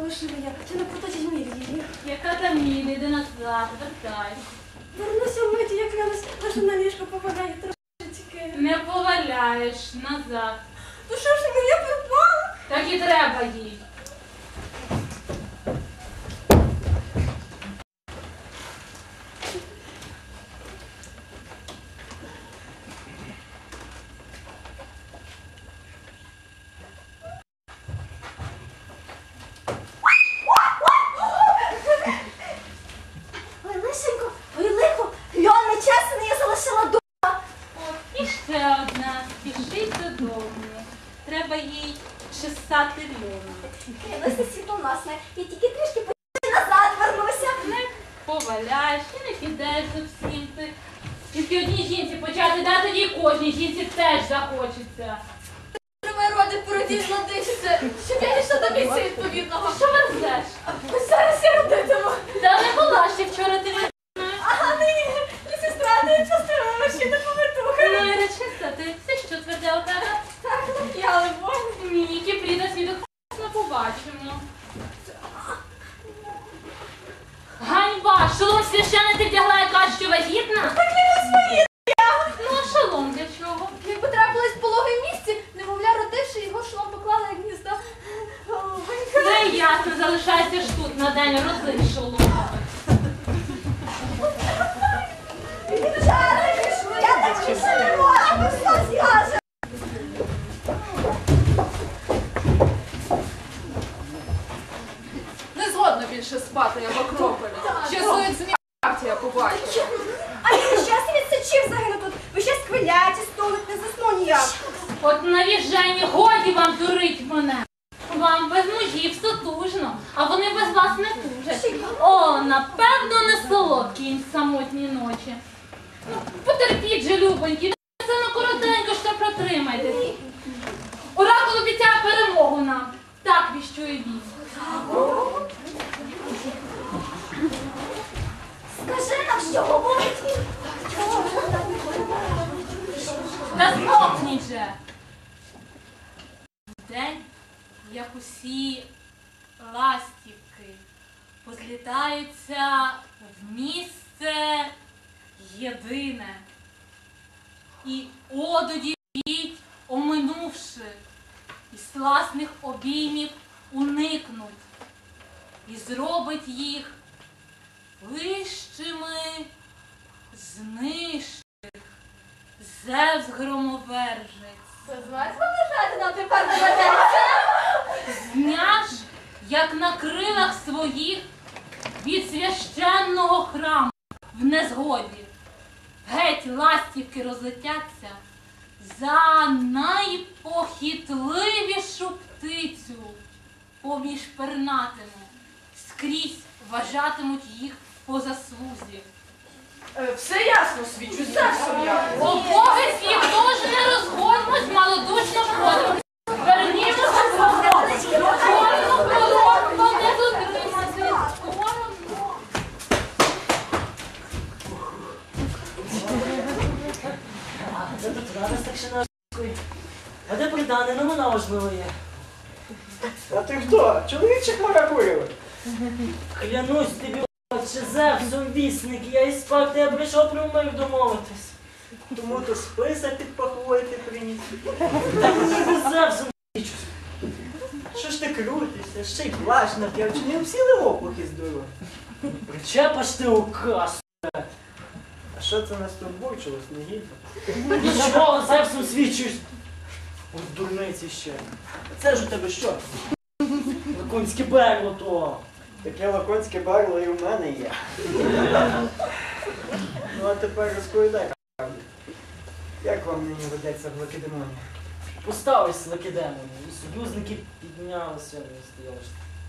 фальшивая, чи не проточить мілії. Яка там мілі, йди назад, вертай. Вернуся вмиті, як клянусь, лише на ліжко поваляю трошечки. Не поваляєш, назад. Ну що ж моя пропала? Так і треба їй. Ой, лишенько, ой, лихо, льон нечесний, я залишила дома. От, і ще одна. Спішить додому. Треба їй чесати льону. Клянуся світлоносне, я тільки трішки назад вернуся. Не поваляєш і не підеш зовсім ти. Тільки одній жінці почати дати, тоді кожній жінці теж захочеться. Тривай роди породів надишся, щоб я йшла до місця відповідного. Що верзеш? Ось зараз я родитиму. Та не була ще вчора ти не. Ага, ні, сестра, ти частина, ще не повернуха. Ну і речися, ти все, що тверде у тебе? Так, я либо. Ні, Кіпріда свідок не побачимо. Ганьба! Шолом священний ти вдягла і кажеш, що вагітна? Так не своє. Ну а шолом для чого? Якби трапилось в пологовому місці, немовля родивши, його шолом поклала як гніздо. Голубенька. Все ясно, залишайся ж тут на день рози шолом. Я так більше не можу, що скаже. Не згодна більше спати, я в Акрополі. Ще зоїть зміхавці, я побачу. А він щас відсочив загину тут. Ви ще сквиляті, столик, не засну ніяк. От навіжені, годі вам дурить мене. Вам без мужів сутужно, а вони без вас не тужать. О, напевно, не солодкі їм самотні ночі. Ну, потерпіть же, любонькі, це на коротенько, що протримайтесь. Оракул обіцяє перемогу нам. Так віщує він. Скажи нам, що говорить він. Та змовкніть же. День, як усі ластівки, позлітаються в місце єдине. І одуді б'ють, оминувши, і сласних обіймів уникнуть, і зробить їх вищими з нижчих, Зевс громовержець. Дозвольте побажати нам тепер доведеться. Зняш, як на крилах своїх від священного храму в незгоді. Геть ластівки розлетяться за найпохитливішу птицю поміж пернатими. Скрізь вважатимуть їх по заслузі. Все ясно, свічу, Зевсом я. Обов'язки їх теж не розгодьмось, малодушно ходимо. Вернімося свободу. Чорно пророку не дотримати. Скоро. Це тут рада старшинарської. А де придане? Ну вона важливо є. А ти хто? Чоловічик Маракуєвий? Клянусь тобі, отче Зевсом вісник, я із Спарти, я прийшов про мир домовитись. Тому то списа під пахвою ти приніс. Так ніби Зевсом вічусь. Що ж ти крутишся? Ще й плащ нап'яв, чи не всі лопухи здорово? Причепаш ти указ. А що це нас тут бурчилось, не гідно? Нічого, Зевсом свічусь. Ось дурниці ще. Це ж у тебе що? Лаконське берло то. Таке лаконське барло і в мене є. Ну а тепер розповідай правду. Як вам нині ведеться в Лакедемоні? Поставись Лакедемоні, і союзники піднялися, не стояли.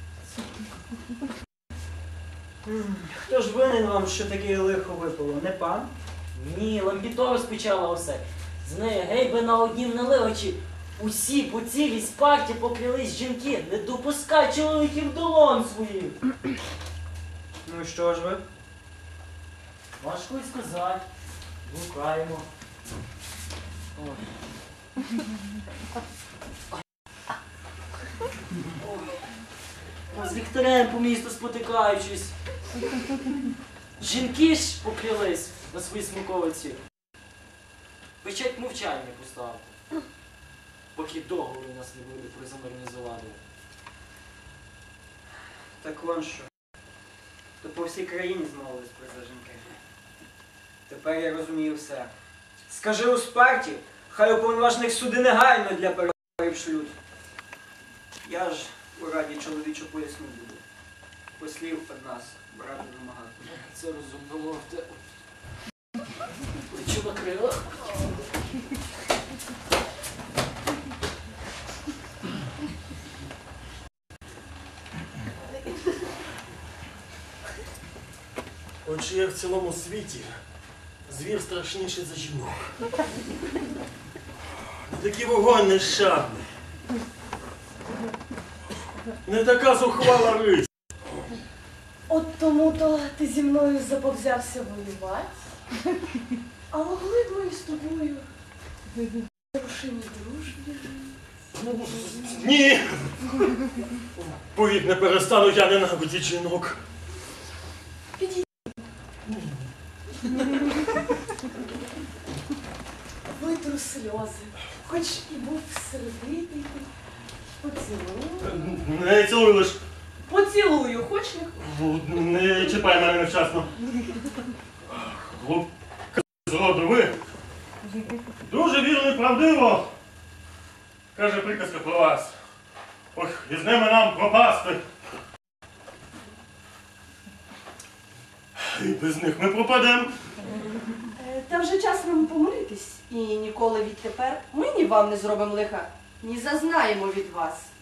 Хто ж винен вам, що таке лихо випало? Не пан? Ні, Лампіто розпочала усе. З нею гейби на однім наливачі. Усі по цілій Спарті поклялись жінки, не допускай чоловіків до лон своїх. Ну і що ж ви? Важко й сказати. Гукаємо. Ой. з ліхтарем по місту спотикаючись. Жінки ж поклялись на свої смаковиці. Печать мовчання поставте, поки договору у нас не буде про замирні завади. Так вон що. То по всій країні змовились про це жінки. Тепер я розумію все. Скажи у Спарті, хай уповноважених суди негайно для переговорів шлють. Я ж у раді чоловічу поясню буду. Послів від нас брати вимагати. Це розумно ловте. Лечу на крилах. Отже, як в цілому світі звір страшніший за жінок. Не такий вогонь нещадний. Не така зухвала рись. От тому-то ти зі мною заповзявся воювати, а могли б ми з тобою в рушині дружбі жити. Ні! Повік не перестану я ненавидіти жінок. Витру сльози, хоч і був сердитий, поцілую. Не цілуй лиш. Поцілую, хоч не Не чіпай мене невчасно. Глупка з роду ви. Дуже вірно і правдиво. Каже приказка про вас. Ох, і з ними нам пропасти. І без них ми пропадемо. Та вже час нам помиритись. І ніколи відтепер ми ні вам не зробимо лиха, ні зазнаємо від вас.